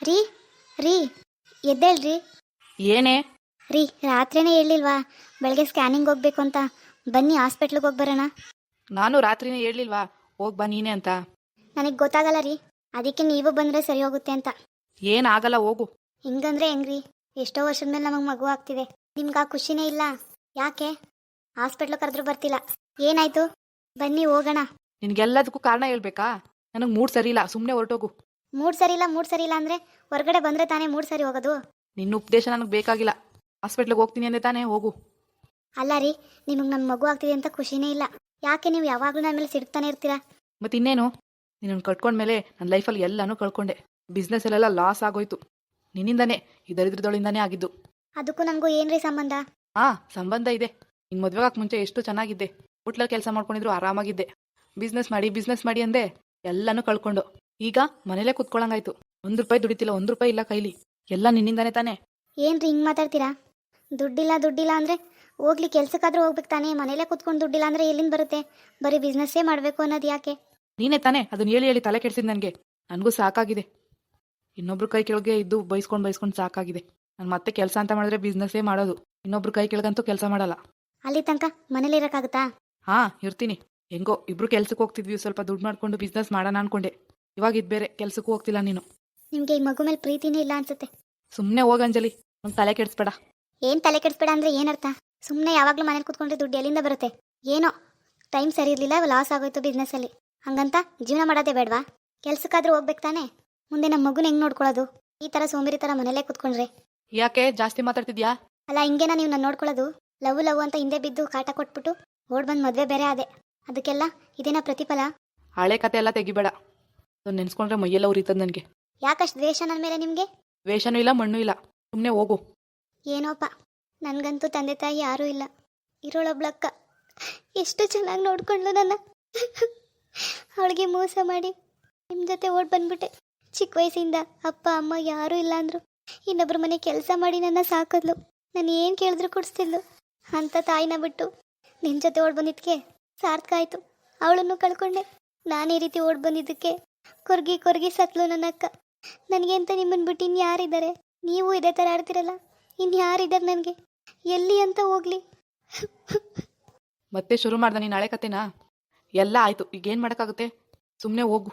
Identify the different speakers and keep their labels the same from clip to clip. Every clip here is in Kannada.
Speaker 1: ರೀ ರೀ ಎದ್ದೇಳ್ರಿ.
Speaker 2: ಏನೇ?
Speaker 1: ರೀ ರಾತ್ರಿನೇ ಹೇಳಿಲ್ವಾ ಬೆಳಗ್ಗೆ ಸ್ಕ್ಯಾನಿಂಗ್ ಹೋಗ್ಬೇಕು ಅಂತ? ಬನ್ನಿ ಹಾಸ್ಪಿಟ್ಲಿಗೆ ಹೋಗಿ ಬರೋಣ.
Speaker 2: ನಾನು ರಾತ್ರಿನೇ ಹೇಳಿಲ್ವಾ ಹೋಗಿ ಬಾ ನೀನೆ ಅಂತ?
Speaker 1: ನನಗೆ ಗೊತ್ತಾಗಲ್ಲ ರೀ, ಅದಕ್ಕೆ ನೀವು ಬಂದರೆ ಸರಿ ಹೋಗುತ್ತೆ ಅಂತ.
Speaker 2: ಏನಾಗಲ್ಲ ಹೋಗು.
Speaker 1: ಹಿಂಗಂದ್ರೆ ಹೆಂಗ್ರಿ? ಎಷ್ಟೋ ವರ್ಷದ ಮೇಲೆ ನಮಗೆ ಮಗು ಆಗ್ತಿದೆ, ನಿಮ್ಗೆ ಆ ಖುಷಿನೇ ಇಲ್ಲ? ಯಾಕೆ ಹಾಸ್ಪಿಟ್ಲು ಕರೆದ್ರೂ ಬರ್ತಿಲ್ಲ? ಏನಾಯ್ತು? ಬನ್ನಿ ಹೋಗೋಣ.
Speaker 2: ನಿನಗೆಲ್ಲದಕ್ಕೂ ಕಾರಣ ಹೇಳ್ಬೇಕಾ? ನನಗೆ ಮೂಡ್ ಸರಿ ಇಲ್ಲ, ಸುಮ್ಮನೆ ಹೊರಟೋಗು.
Speaker 1: ಮೂಡ್ ಸರಿ ಇಲ್ಲ ಮೂಡ್ ಸರಿ ಇಲ್ಲ ಅಂದರೆ ಹೊರಗಡೆ ಬಂದರೆ ತಾನೇ ಮೂಡ್ ಸರಿ ಹೋಗೋದು?
Speaker 2: ನಿನ್ನ ಉಪದೇಶ ನನಗೆ ಬೇಕಾಗಿಲ್ಲ. ಹಾಸ್ಪಿಟ್ಲಿಗೆ ಹೋಗ್ತೀನಿ ಅಂದೆ ತಾನೇ, ಹೋಗು.
Speaker 1: ಅಲ್ಲ ರೀ, ನಿಮಗೆ ನನ್ನ ಮಗು ಆಗ್ತಿದೆ ಅಂತ ಖುಷಿನೇ ಇಲ್ಲ. ಯಾಕೆ ನೀವು ಯಾವಾಗಲೂ ನನ್ನ ಮೇಲೆ ಸಿಡ್ತಾನೆ ಇರ್ತೀರಾ?
Speaker 2: ಮತ್ತೆ ಇನ್ನೇನು, ನಿನ್ನನ್ನು ಕಟ್ಕೊಂಡ್ಮೇಲೆ ನನ್ನ ಲೈಫಲ್ಲಿ ಎಲ್ಲನೂ ಕಳ್ಕೊಂಡೆ. ಬಿಸ್ನೆಸ್ಸಲ್ಲೆಲ್ಲ ಲಾಸ್ ಆಗೋಯ್ತು. ನಿನ್ನಿಂದಾನೇ, ಈ ದರಿದ್ರದೊಳಿಂದಾನೇ ಆಗಿದ್ದು.
Speaker 1: ಅದಕ್ಕೂ ನನಗೂ ಏನ್ರಿ ಸಂಬಂಧ?
Speaker 2: ಸಂಬಂಧ ಇದೆ. ನಿನ್ನ ಮದುವೆಗಾಕ್ ಮುಂಚೆ ಎಷ್ಟು ಚೆನ್ನಾಗಿದ್ದೆ. ಹೋಟ್ಲಲ್ಲಿ ಕೆಲಸ ಮಾಡ್ಕೊಂಡಿದ್ರು ಆರಾಮಾಗಿದ್ದೆ. ಬಿಸ್ನೆಸ್ ಮಾಡಿ ಅಂದೆ, ಎಲ್ಲನೂ ಕಳ್ಕೊಂಡು ಈಗ ಮನೇಲೇ ಕುತ್ಕೊಳ್ಳಂಗಾಯ್ತು. ₹1 ದುಡಿತಿಲ್ಲ, ₹1 ಇಲ್ಲ ಕೈಲಿ. ಎಲ್ಲ ನಿನ್ನಿಂದಾನೇ ತಾನೇ.
Speaker 1: ಏನ್ರಿ ಹಿಂಗೆ ಮಾತಾಡ್ತೀರಾ? ದುಡ್ಡಿಲ್ಲ ಅಂದರೆ ಹೋಗ್ಲಿ ಕೆಲ್ಸಕ್ಕಾದ್ರೂ ಹೋಗ್ಬೇಕು ತಾನೇ. ಮನೇಲೇ ಕುತ್ಕೊಂಡು ದುಡ್ಡಿಲ್ಲ ಅಂದರೆ ಎಲ್ಲಿಂದ ಬರುತ್ತೆ? ಬರೀ ಬಿಸ್ನೆಸ್ಸೇ ಮಾಡಬೇಕು ಅನ್ನೋದು ಯಾಕೆ?
Speaker 2: ನೀನೇ ತಾನೇ ಅದನ್ನ ಹೇಳಿ ತಲೆ ಕೆಡ್ಸಿದ್ ನನಗೆ. ನನಗೂ ಸಾಕಾಗಿದೆ. ಇನ್ನೊಬ್ರು ಕೈ ಕೆಳಗೆ ಇದ್ದು ಬೈಸ್ಕೊಂಡು ಸಾಕಾಗಿದೆ. ನಾನು ಮತ್ತೆ ಕೆಲಸ ಅಂತ ಮಾಡಿದ್ರೆ ಬಿಸ್ನೆಸ್ಸೇ ಮಾಡೋದು. ಇನ್ನೊಬ್ರು ಕೈ ಕೆಳಗಂತೂ ಕೆಲಸ ಮಾಡಲ್ಲ.
Speaker 1: ಅಲ್ಲಿ ತನಕ ಮನೇಲಿ ಇರೋಕ್ಕಾಗುತ್ತಾ?
Speaker 2: ಇರ್ತೀನಿ. ಹೆಂಗೋ ಇಬ್ರು ಕೆಲ್ಸಕ್ಕೆ ಹೋಗ್ತಿದ್ವಿ, ಸ್ವಲ್ಪ ದುಡ್ಡು ಮಾಡ್ಕೊಂಡು ಬಿಸ್ನೆಸ್ ಮಾಡೋಣ ಅನ್ಕೊಂಡೆ. ಇವಾಗ ಇದು ಬೇರೆ, ಕೆಲ್ಸಕ್ಕೂ ಹೋಗ್ತಿಲ್ಲ ನೀನು.
Speaker 1: ನಿಮಗೆ ಈ ಮಗು ಮೇಲೆ ಪ್ರೀತಿನೇ ಇಲ್ಲ ಅನ್ಸುತ್ತೆ.
Speaker 2: ಸುಮ್ಮನೆ ಹೋಗ ಅಂಜಲಿ, ನಂಗೆ ತಲೆ ಕೆಡಿಸ್ಬೇಡ.
Speaker 1: ಏನು ತಲೆ ಕೆಡಿಸ್ಬೇಡ ಅಂದರೆ ಏನರ್ಥ? ಸುಮ್ಮನೆ ಯಾವಾಗಲೂ ಮನೇಲಿ ಕುತ್ಕೊಂಡ್ರೆ ದುಡ್ಡು ಎಲ್ಲಿಂದ ಬರುತ್ತೆ? ಏನೋ ಟೈಮ್ ಸರಿ ಇರಲಿಲ್ಲ, ಲಾಸ್ ಆಗೋಯ್ತು ಬಿಸ್ನೆಸ್ಸಲ್ಲಿ, ಹಂಗಂತ ಜೀವನ ಮಾಡೋದೇ ಬೇಡವಾ? ಕೆಲ್ಸಕ್ಕಾದ್ರೂ ಹೋಗ್ಬೇಕು ತಾನೇ. ಮುಂದೆ ನಮ್ಮ ಮಗುನ ಹೆಂಗೆ ನೋಡ್ಕೊಳ್ಳೋದು? ಈ ಥರ ಸೋಂಬೇರಿ ಥರ ಮನೇಲೇ ಕುತ್ಕೊಂಡ್ರೆ?
Speaker 2: ಯಾಕೆ ಜಾಸ್ತಿ ಮಾತಾಡ್ತಿದ್ಯಾ?
Speaker 1: ಅಲ್ಲ, ಹಿಂಗೇನ ನೀವು ನಾನು ನೋಡ್ಕೊಳ್ಳೋದು? ಲವ್ ಅಂತ ಹಿಂದೆ ಬಿದ್ದು ಕಾಟ ಕೊಟ್ಬಿಟ್ಟು ಓಡ್ ಬಂದು ಮದುವೆ ಬೇರೆ ಆದೆ. ಅದಕ್ಕೆಲ್ಲ ಇದೇನಾ ಪ್ರತಿಫಲ?
Speaker 2: ಹಳೆ ಕತೆ ಎಲ್ಲ ತೆಗಿಬೇಡ. ಅದನ್ನ ನೆನ್ಸ್ಕೊಂಡ್ರೆ ಮೈಯೆಲ್ಲ ಉರಿತದ ನನಗೆ.
Speaker 1: ಯಾಕಷ್ಟು ದ್ವೇಷ ನನ್ನ ಮೇಲೆ ನಿಮಗೆ?
Speaker 2: ವೇಷನೂ ಇಲ್ಲ, ಮಣ್ಣು ಇಲ್ಲ. ಸುಮ್ಮನೆ ಹೋಗು.
Speaker 1: ಏನೋಪ್ಪ, ನನಗಂತೂ ತಂದೆ ತಾಯಿ ಯಾರೂ ಇಲ್ಲ. ಇರೋಳೊಬ್ಳಕ್ಕ ಎಷ್ಟು ಚೆನ್ನಾಗಿ ನೋಡ್ಕೊಂಡ್ಲು ನನ್ನ. ಅವಳಿಗೆ ಮೋಸ ಮಾಡಿ ನಿಮ್ಮ ಜೊತೆ ಓಡ್ ಬಂದ್ಬಿಟ್ಟೆ. ಚಿಕ್ಕ ವಯಸ್ಸಿಂದ ಅಪ್ಪ ಅಮ್ಮ ಯಾರೂ ಇಲ್ಲ ಅಂದರು. ಇನ್ನೊಬ್ಬರ ಮನೆ ಕೆಲಸ ಮಾಡಿ ನನ್ನ ಸಾಕಿದ್ಲು. ನಾನು ಏನು ಕೇಳಿದ್ರು ಕೊಡಿಸ್ತಿದ್ಲು. ಅಂಥ ತಾಯಿನ ಬಿಟ್ಟು ನಿಮ್ಮ ಜೊತೆ ಓಡ್ ಬಂದಿದ್ದಕ್ಕೆ ಸಾರ್ಥಕ ಆಯಿತು. ಅವಳನ್ನು ಕಳ್ಕೊಂಡೆ. ನಾನು ಈ ರೀತಿ ಓಡ್ ಬಂದಿದ್ದಕ್ಕೆ ಕೊರ್ಗಿ ಸತ್ಲು ನನ್ನ ಅಕ್ಕ. ನನಗೆ ಅಂತ ನಿಮ್ಮನ್ನು ಬಿಟ್ಟು ಇನ್ಯಾರಿದ್ದಾರೆ? ನೀವು ಇದೇ ಥರ ಆಡ್ತಿರಲ್ಲ, ಇನ್ಯಾರಿದ್ದಾರೆ ನನಗೆ? ಎಲ್ಲಿ ಅಂತ ಹೋಗ್ಲಿ?
Speaker 2: ಮತ್ತೆ ಶುರು ಮಾಡ್ದೆ ನೀನು ಹಳೆ ಕತೆನಾ? ಎಲ್ಲ ಆಯಿತು, ಈಗೇನು ಮಾಡೋಕ್ಕಾಗುತ್ತೆ? ಸುಮ್ಮನೆ ಹೋಗು.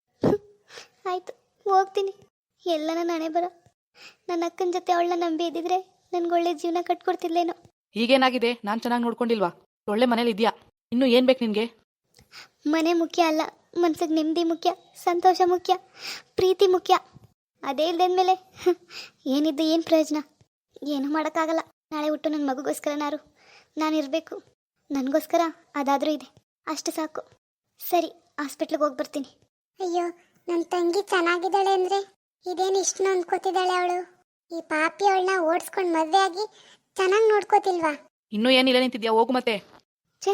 Speaker 1: ಆಯಿತು, ಹೋಗ್ತೀನಿ. ಎಲ್ಲ ನನ್ನ ಹಣೆ ಬರ. ನನ್ನ ಅಕ್ಕನ ಜೊತೆ ಅವಳನ್ನ ನಂಬಿ ಇದ್ದಿದ್ರೆ ನನ್ಗೆ ಒಳ್ಳೆ ಜೀವನ ಕಟ್ಕೊಡ್ತಿದ್ಲೇನೋ.
Speaker 2: ಈಗೇನಾಗಿದೆ? ನಾನು ಚೆನ್ನಾಗಿ ನೋಡ್ಕೊಂಡಿಲ್ವಾ? ಒಳ್ಳೆ ಮನೇಲಿ ಇದೆಯಾ? ಇನ್ನೂ ಏನು ಬೇಕು ನಿನಗೆ?
Speaker 1: ಮನೆ ಮುಖ್ಯ ಅಲ್ಲ, ಮನ್ಸಿಗೆ ನೆಮ್ಮದಿ ಮುಖ್ಯ, ಸಂತೋಷ ಮುಖ್ಯ, ಪ್ರೀತಿ ಮುಖ್ಯ. ಅದೇ ಇಲ್ದೇಂದ್ಮೇಲೆ ಏನಿದ್ದು ಏನು ಪ್ರಯೋಜನ? ಏನೂ ಮಾಡೋಕ್ಕಾಗಲ್ಲ. ನಾಳೆ ಹುಟ್ಟು ನನ್ನ ಮಗುಗೋಸ್ಕರನಾರು ನಾನು ಇರಬೇಕು. ನನಗೋಸ್ಕರ ಅದಾದರೂ ಇದೆ, ಅಷ್ಟು ಸಾಕು. ಸರಿ, ಹಾಸ್ಪಿಟ್ಲಿಗೆ ಹೋಗಿ ಬರ್ತೀನಿ.
Speaker 3: ಅಯ್ಯೋ, ನನ್ನ ತಂಗಿ ಚೆನ್ನಾಗಿದ್ದಾಳೆ ಅಂದರೆ ಇದೇನು ಇಷ್ಟು ನೊಂದ್ಕೋತಿದ್ದಾಳೆ ಅವಳು. ಈ ಪಾಪಿ ಅವಳನ್ನ ಓಡಿಸ್ಕೊಂಡು ಮದುವೆ ಆಗಿ ಚೆನ್ನಾಗಿ ನೋಡ್ಕೋತಿಲ್ವಾ?
Speaker 2: ಇನ್ನೂ ಏನಿಲ್ಲ, ನಿಂತಿದ್ಯಾ? ಹೋಗು ಮತ್ತೆ.
Speaker 1: ಛೇ,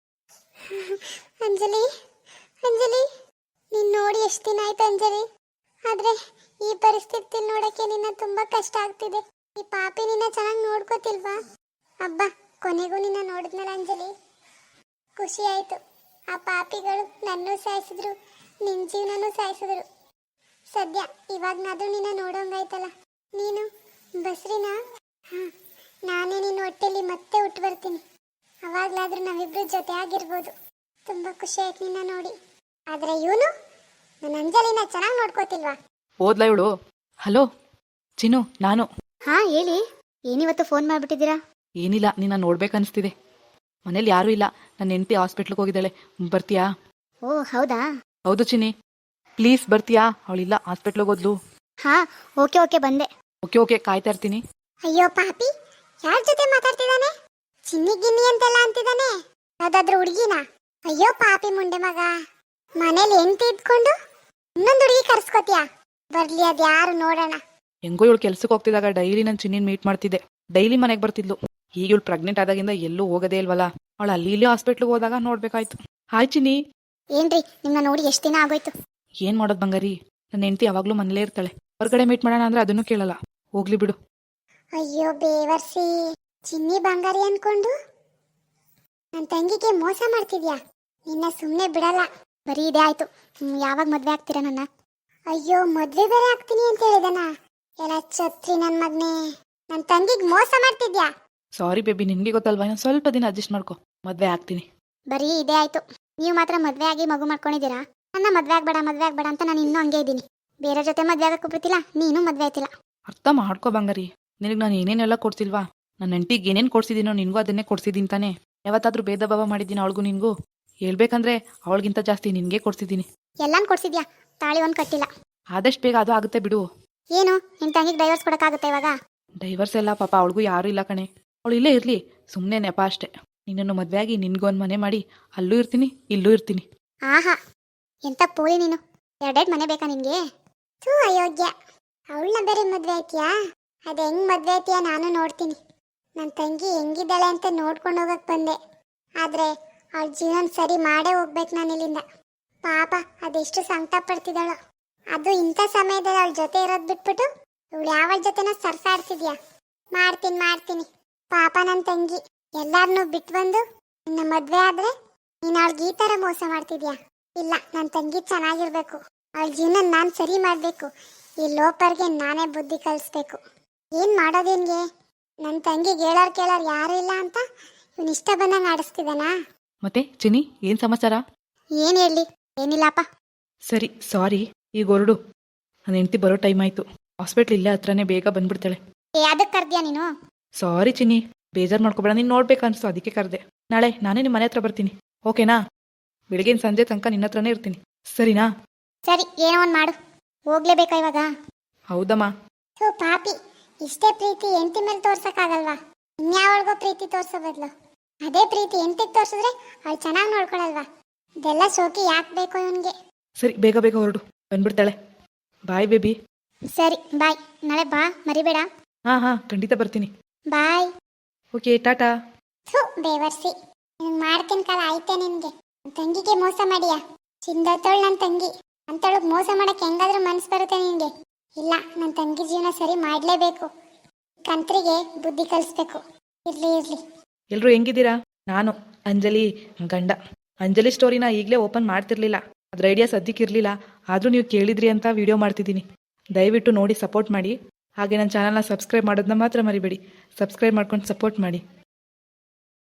Speaker 3: ಅಂಜಲಿ ನೀನು ನೋಡಿ ಎಷ್ಟು ದಿನ ಆಯ್ತು ಅಂಜಲಿ. ಆದರೆ ಈ ಪರಿಸ್ಥಿತಿ ನೋಡೋಕ್ಕೆ ನಿನ್ನ ತುಂಬ ಕಷ್ಟ ಆಗ್ತಿದೆ. ಈ ಪಾಪಿ ನಿನ್ನ ಚೆನ್ನಾಗಿ ನೋಡ್ಕೋತಿಲ್ವಾ? ಅಬ್ಬಾ, ಕೊನೆಗೂ ನಿನ್ನ ನೋಡಿದ್ನಲ್ಲ ಅಂಜಲಿ, ಖುಷಿ ಆಯಿತು. ಆ ಪಾಪಿಗಳು ನನ್ನೂ ಸಾಯಿಸಿದ್ರು, ನಿನ್ನ ಜೀವನನೂ ಸಾಯಿಸಿದ್ರು. ಸದ್ಯ ಇವಾಗನಾದ್ರೂ ನಿನ್ನ ನೋಡೋಂಗಾಯ್ತಲ್ಲ. ನೀನು ಬಸ್ರಿನಾ? ನಾನೇ ನಿನ್ನ ಹೊಟ್ಟೆಲಿ ಮತ್ತೆ ಹುಟ್ಟು ಬರ್ತೀನಿ. ಅವಾಗಲಾದ್ರೂ ನಾವಿಬ್ರು ಜೊತೆ ಆಗಿರ್ಬೋದು. ತುಂಬ ಖುಷಿ ಆಯ್ತು ನಿನ್ನ ನೋಡಿ. ಆದರೆ ಇವನು ನನ್ನ ಅಂಜಲಿನ ಚೆನ್ನಾಗಿ ನೋಡ್ಕೋತಿಲ್ವಾ?
Speaker 2: ಓದ್ಲಾ ಇವಳು? ಹಲೋ ಚಿನ್ನು, ನಾನು.
Speaker 1: ಹೇಳಿ. ಏನಿವತ್ತು ಫೋನ್ ಮಾಡಿಬಿಟ್ಟಿದ್ದೀರಾ?
Speaker 2: ಏನಿಲ್ಲ, ನಿನ್ನ ನೋಡ್ಬೇಕನ್ನಿಸ್ತಿದೆ. ಮನೇಲಿ ಯಾರೂ ಇಲ್ಲ, ನನ್ನ ಹೆಂಡತಿ ಹಾಸ್ಪಿಟ್ಲಿಗೆ ಹೋಗಿದ್ದಾಳೆ. ಬರ್ತೀಯಾ?
Speaker 1: ಓ ಹೌದಾ?
Speaker 2: ಹೌದು ಚಿನ್ನಿ, ಪ್ಲೀಸ್ ಬರ್ತೀಯಾ? ಅವಳಿಲ್ಲ, ಹಾಸ್ಪಿಟ್ಲಿಗೆ ಹೋದ್ಲು.
Speaker 1: ಓಕೆ ಬಂದೆ.
Speaker 2: ಓಕೆ, ಕಾಯ್ತಾ ಇರ್ತೀನಿ.
Speaker 3: ಅಯ್ಯೋ ಪಾಪಿ, ಯಾರ ಜೊತೆ ಮಾತಾಡ್ತಿದ್ದಾನೆ? ಚಿನ್ನಿ ಗಿನ್ನಿ ಅಂತೆಲ್ಲ ಅಂತಿದ್ದಾನೆ. ಯಾವ್ದಾದ್ರು ಹುಡುಗಿನ? ಅಯ್ಯೋ ಪಾಪಿ ಮುಂಡೆ ಮಗ, ಮನೇಲಿ ಹೆಂಡತಿ ಇದ್ಕೊಂಡು ಇನ್ನೊಂದು ಹುಡುಗಿ ಕರ್ಸ್ಕೋತಿಯಾ? ಬರ್ಲಿ, ಅದು ಯಾರು ನೋಡೋಣ.
Speaker 2: ಹೆಂಗೋ ಇವಳು ಕೆಲ್ಸಕ್ಕೆ ಹೋಗ್ತಿದ್ದಾಗ ಡೈಲಿ ನಾನು ಚಿನ್ನಿನ ಮೀಟ್ ಮಾಡ್ತಿದ್ದೆ. ಡೈಲಿ ಮನೆಗೆ ಬರ್ತಿದ್ಲು. ಈಗ ಇವಳು ಪ್ರೆಗ್ನೆಂಟ್ ಆದಾಗಿಂದ ಎಲ್ಲೂ ಹೋಗೋದೇ ಇಲ್ವಲ್ಲ. ಅವಳು ಅಲ್ಲಿ ಇಲ್ಲಿ ಹಾಸ್ಪಿಟ್ಲಿಗೆ ಹೋದಾಗ ನೋಡ್ಬೇಕಾಯ್ತು. ಹಾಯ್ ಚಿನ್ನಿ.
Speaker 1: ಏನ್ರಿ, ನಿಮ್ಮನ್ನ ನೋಡಿ ಎಷ್ಟು ದಿನ ಆಗೋಯ್ತು?
Speaker 2: ಏನ್ ಮಾಡೋದು ಬಂಗಾರಿ, ನನ್ನ ಹೆಂಡತಿ ಯಾವಾಗ್ಲೂ ಮನೇಲೇ ಇರ್ತಾಳೆ. ಹೊರಗಡೆ ಮೀಟ್ ಮಾಡೋಣ ಅಂದ್ರೆ ಅದನ್ನು ಕೇಳಲ್ಲ. ಹೋಗ್ಲಿ ಬಿಡು.
Speaker 3: ಅಯ್ಯೋ ಬೇವರ್ಸಿ, ಚಿನ್ನಿ ಬಂಗಾರಿ ಅನ್ಕೊಂಡು ನನ್ನ ತಂಗಿಗೆ ಮೋಸ ಮಾಡ್ತಿದ್ಯಾ? ನಿನ್ನ ಸುಮ್ಮನೆ ಬಿಡಲ್ಲ.
Speaker 1: ಬರೀ ಇದೇ ಆಯ್ತು. ಯಾವಾಗ ಮದ್ವೆ ಆಗ್ತೀರಾ ನನ್ನ?
Speaker 3: ಅಯ್ಯೋ ಮದ್ವೆ ಬೇರೆ ಆಗ್ತೀನಿ ಅಂತ ಹೇಳಿದನ. ಎಲ್ಲ ಛತ್ರಿ ನನ್ ಮಗ್ನೆ, ನನ್ ತಂಗಿಗ್ ಮೋಸ ಮಾಡ್ತಿದ್ಯಾ?
Speaker 2: ಸಾರಿ ಬೇಬಿ, ನಿನಗೆ ಗೊತ್ತಲ್ವಾ, ಇನ್ನೊಂದು ಸ್ವಲ್ಪ ದಿನ ಅಡ್ಜಸ್ಟ್ ಮಾಡ್ಕೊ, ಮದುವೆ ಆಗ್ತೀನಿ.
Speaker 3: ಬರೀ ಇದೇ ಆಯ್ತು. ನೀವು ಮಾತ್ರ ಮದ್ವೆ ಆಗಿ ಮಗು ಮಾಡ್ಕೊಂಡಿದ್ದೀರಾ. ನನ್ನ ಮದ್ವೆ ಆಗ್ಬೇಡ ಅಂತ ನಾನು ಇನ್ನೂ ಹಂಗೆ ಇದ್ದೀನಿ. ಬೇರೆ ಜೊತೆ ಮದ್ವೆ ಆಗಕ್ಕೂ ಬಿಡ್ತಿಲ್ಲ, ನೀನು ಮದ್ವೆ ಆಯ್ತಿಲ್ಲ.
Speaker 2: ಅರ್ಥ ಮಾಡ್ಕೋ ಬಂಗಾರಿ, ನಿನಗೆ ನಾನು ಏನೇನೆಲ್ಲ ಕೊಡ್ಸಿಲ್ವಾ? ನನ್ನ ಹೆಂಡತಿಗೆ ಏನೇನು ಕೊಡ್ಸಿದ್ದೀನೋ ನಿನಗೂ ಅದನ್ನೇ ಕೊಡ್ಸಿದ್ದೀನಿ ತಾನೇ. ಯಾವತ್ತಾದ್ರೂ ಭೇದ ಭಾವ ಮಾಡಿದ್ದೀನಿ ಅವಳಿಗೂ ನಿನಗೂ? ಹೇಳ್ಬೇಕಂದ್ರೆ ಅವಳಿಗಿಂತ ಜಾಸ್ತಿ ನಿನಗೆ ಕೊಡ್ಸಿದ್ದೀನಿ.
Speaker 3: ಎಲ್ಲಾನು ಕೊಡ್ಸಿದ್ಯಾ, ತಾಳಿ ಒಂದು ಕಟ್ಟಿಲ್ಲ.
Speaker 2: ಆದಷ್ಟು ಬೇಗ ಅದು ಆಗುತ್ತೆ ಬಿಡು.
Speaker 3: ಏನು ನಿನ್ ತಂಗಿಗೆ ಡೈವರ್ಸ್ ಕೊಡಕ್ಕಾಗುತ್ತೆ ಇವಾಗ?
Speaker 2: ಡೈವರ್ಸ್ ಎಲ್ಲ ಪಾಪ ಅವಳಿಗೂ ಯಾರೂ ಇಲ್ಲ ಕಣೆ. ಅವಳು ಇಲ್ಲೇ ಇರಲಿ, ಸುಮ್ಮನೆ ನೆಪ ಅಷ್ಟೇ. ನಿನ್ನನ್ನು ಮದುವೆ ಆಗಿ ನಿನ್ಗೊಂದು ಮನೆ ಮಾಡಿ ಅಲ್ಲೂ ಇರ್ತೀನಿ ಇಲ್ಲೂ ಇರ್ತೀನಿ.
Speaker 3: ಆಹಾ, ಎಂತ ಪೋಲಿ ನೀನು. ಎರಡೆರಡು ಮನೆ ಬೇಕಾ ನಿನ್ಗೆ? ಥೂ ಅಯೋಗ್ಯ. ಅವಳನ್ನ ಬೇರೆ ಮದ್ವೆ ಆಯ್ತೀಯಾ? ಅದು ಹೆಂಗ್ ಮದ್ವೆ ಆಯ್ತೀಯಾ ನಾನು ನೋಡ್ತೀನಿ. ನನ್ನ ತಂಗಿ ಹೆಂಗಿದ್ದಾಳೆ ಅಂತ ನೋಡ್ಕೊಂಡು ಹೋಗಕ್ ಬಂದೆ. ಆದ್ರೆ ಅವಳ ಜೀವನ ಸರಿ ಮಾಡೇ ಹೋಗ್ಬೇಕು ನಾನು ಇಲ್ಲಿಂದ. ಪಾಪ ಅದೆಷ್ಟು ಸಂಕಟ ಪಡ್ತಿದ್ದಾಳು. ಅದು ಇಂಥ ಸಮಯದಲ್ಲಿ ಅವಳ ಜೊತೆ ಇರೋದು ಬಿಟ್ಬಿಟ್ಟು ಇವಳು ಯಾವ ಜೊತೆನ ಸರ್ಸಾಡ್ತಿದ್ಯಾ? ಮಾಡ್ತೀನಿ. ಪಾಪ ನನ್ನ ತಂಗಿ ಎಲ್ಲಾರನ್ನೂ ಬಿಟ್ಟು ಬಂದು ನಿನ್ನ ಮದ್ವೆ ಆದ್ರೆ ನೀನು ಅವಳಿಗೆ ಈ ಥರ ಮೋಸ ಮಾಡ್ತಿದ್ಯಾ? ಇಲ್ಲ, ನನ್ನ ತಂಗಿ ಚೆನ್ನಾಗಿರ್ಬೇಕು, ಅವಳ ಜೀವನ ನಾನು ಸರಿ ಮಾಡಬೇಕು. ಈ ಲೋಪರ್ಗೆ ನಾನೇ ಬುದ್ಧಿ ಕಲಿಸ್ಬೇಕು. ಏನು ಮಾಡೋದೇನ್ಗೆ? ನನ್ನ ತಂಗಿಗೆ ಹೇಳೋರು ಕೇಳೋರು ಯಾರು ಇಲ್ಲ ಅಂತ ಇವನು ಇಷ್ಟ ಬಂದಂಗೆ ಆಡಿಸ್ತಿದ್ದಾನಾ?
Speaker 2: ಮತ್ತೆ ಚಿನ್ನಿ, ಏನು ಸಮಾಚಾರ?
Speaker 3: ಏನು ಹೇಳಿ? ಏನಿಲ್ಲಪ್ಪ.
Speaker 2: ಸರಿ, ಸಾರಿ, ಈಗ ಹೊರಡು. ನನ್ನ ಹೆಂಡತಿ ಬರೋ ಟೈಮ್ ಆಯಿತು. ಹಾಸ್ಪಿಟ್ಲ್ ಇಲ್ಲೇ ಹತ್ರನೇ, ಬೇಗ ಬಂದ್ಬಿಡ್ತಾಳೆ.
Speaker 3: ಅದಕ್ಕೆ ಕರ್ದ್ಯಾ ನೀನು?
Speaker 2: ಸಾರಿ ಚಿನ್ನಿ, ಬೇಜಾರು ಮಾಡ್ಕೊಬೇಡ. ನೀನು ನೋಡ್ಬೇಕನ್ನಿಸ್ತು, ಅದಕ್ಕೆ ಕರೆದೆ. ನಾಳೆ ನಾನೇ ನಿಮ್ಮ ಮನೆ ಹತ್ರ ಬರ್ತೀನಿ, ಓಕೆನಾ? ಬೆಳಗಿನ ಸಂಜೆ ತನಕ ನಿನ್ನ ಹತ್ರನೇ ಇರ್ತೀನಿ, ಸರಿನಾ?
Speaker 3: ಸರಿ, ಏನೋ ಒಂದು ಮಾಡು. ಹೋಗ್ಲೇಬೇಕಾ ಇವಾಗ?
Speaker 2: ಹೌದಮ್ಮ.
Speaker 3: ಥೂ ಪಾಪಿ, ಇಷ್ಟೇ ಪ್ರೀತಿ ಹೆಂಡತಿ ಮೇಲೆ ತೋರ್ಸಕ್ಕಾಗಲ್ವಾ? ಇನ್ಯಾವಳಿಗೋ ಪ್ರೀತಿ ತೋರ್ಸೋ ಬದಲು ಅದೇ ಪ್ರೀತಿ ಹೆಂಡತಿಗೆ ತೋರಿಸಿದ್ರೆ ಅವಳು ಚೆನ್ನಾಗಿ ನೋಡ್ಕೊಳಲ್ವಾ? ಇದೆಲ್ಲ ಶೋಕಿ ಯಾಕೆ ಬೇಕು ಇವನಿಗೆ?
Speaker 2: ಸರಿ, ಬೇಗ ಬೇಗ ಹೊರಡು, ಬಂದ್ಬಿಡ್ತಾಳೆ. ಬಾಯ್ ಬೇಬಿ.
Speaker 3: ಸರಿ ಬಾಯ್, ನಾಳೆ ಬಾ, ಮರಿಬೇಡ.
Speaker 2: ಹಾಂ, ಖಂಡಿತ ಬರ್ತೀನಿ.
Speaker 3: ಬಾಯ್.
Speaker 2: Okay, tata.
Speaker 3: ಥೂ ಬೇವರ್ಸಿ, ನಿನ್ ಮಾಡ್ತೀನಿ ಕಾಲ ಆಯ್ತೆ ನಿನ್ಗೆ. ನನ್ ತಂಗಿಗೆ ಮೋಸ ಮಾಡಿಯಾ? ಚಿಂದತ್ತೋಳು ನನ್ನ ತಂಗಿ ಅಂತೊಳಗೆ ಮೋಸ ಮಾಡಕ್ಕೆ ಹೆಂಗಾದ್ರೂ ಮನ್ಸು ಬರುತ್ತೆ ನಿನ್ಗೆ? ಇಲ್ಲ, ನನ್ನ ತಂಗಿ ಜೀವನ ಸರಿ ಮಾಡಲೇಬೇಕು. ಕಂತ್ರಿಗೆ ಬುದ್ಧಿ ಕಲಿಸ್ಬೇಕು. ಇರ್ಲಿ.
Speaker 2: ಎಲ್ಲರೂ ಹೆಂಗಿದ್ದೀರಾ? ನಾನು ಅಂಜಲಿ ಗಂಡ. ಅಂಜಲಿ ಸ್ಟೋರಿನ ಈಗಲೇ ಓಪನ್ ಮಾಡ್ತಿರ್ಲಿಲ್ಲ, ಅದ್ರ ಐಡಿಯಾ ಸದ್ಯಕ್ಕಿರಲಿಲ್ಲ. ಆದರೂ ನೀವು ಕೇಳಿದ್ರಿ ಅಂತ ವಿಡಿಯೋ ಮಾಡ್ತಿದ್ದೀನಿ. ದಯವಿಟ್ಟು ನೋಡಿ ಸಪೋರ್ಟ್ ಮಾಡಿ. ಹಾಗೆ ನನ್ನ ಚಾನಲ್ನ ಸಬ್ಸ್ಕ್ರೈಬ್ ಮಾಡೋದನ್ನ ಮಾತ್ರ ಮರಿಬೇಡಿ. ಸಬ್ಸ್ಕ್ರೈಬ್ ಮಾಡ್ಕೊಂಡು ಸಪೋರ್ಟ್ ಮಾಡಿ.